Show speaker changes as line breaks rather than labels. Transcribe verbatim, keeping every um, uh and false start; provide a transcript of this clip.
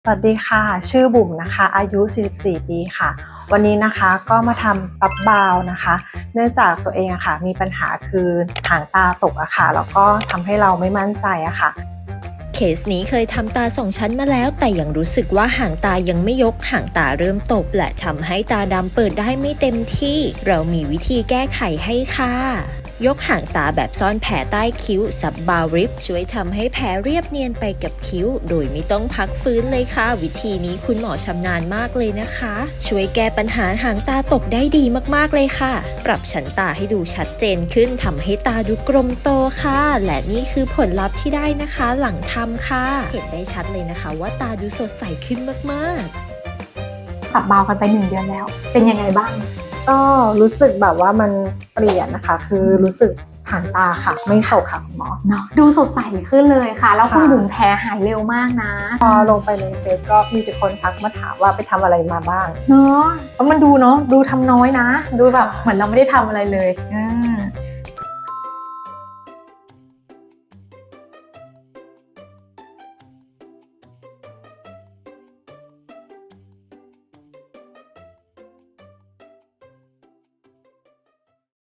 สวัสดีค่ะชื่อบุ๋มนะคะอายุสี่สิบสี่ปีค่ะวันนี้นะคะก็มาทำซับบาวนะคะเนื่องจากตัวเองอะค่ะมีปัญหาคือหางตาตกอะค่ะแล้วก็ทำให้เราไม่มั่นใจอะค่ะ
เคสนี้เคยทำตาสองชั้นมาแล้วแต่ยังรู้สึกว่าหางตายังไม่ยกหางตาเริ่มตกและทำให้ตาดำเปิดได้ไม่เต็มที่เรามีวิธีแก้ไขให้ค่ะยกหางตาแบบซ่อนแผลใต้คิ้วซับบาวริปช่วยทำให้แผลเรียบเนียนไปกับคิ้วโดยไม่ต้องพักฟื้นเลยค่ะวิธีนี้คุณหมอชำนาญมากเลยนะคะช่วยแก้ปัญหาหางตาตกได้ดีมากๆเลยค่ะปรับชั้นตาให้ดูชัดเจนขึ้นทำให้ตาดูกลมโตค่ะและนี่คือผลลัพธ์ที่ได้นะคะหลังทำค่ะเห็นได้ชัดเลยนะคะว่าตาดูสดใสขึ้นมากๆ
สับบาวกันไปหนึ่งเดือนแล้วเป็นยังไงบ้าง
ก็รู้สึกแบบว่ามันเปลี่ยนนะคะคือรู้สึกหางตาค่ะไม่ตกค่ะคุณหมอ
เนาะดูสดใสขึ้นเลยค่ะแล้วคุณบุ๋มแพ้หายเร็วมากนะ
พอลงไปในเฟซก็มีแต่คนทักมาถามว่าไปทำอะไรมาบ้าง
เนาะแล้วมันดูเนาะดูทำน้อยนะดูแบบเหมือนเราไม่ได้ทำอะไรเลยอืม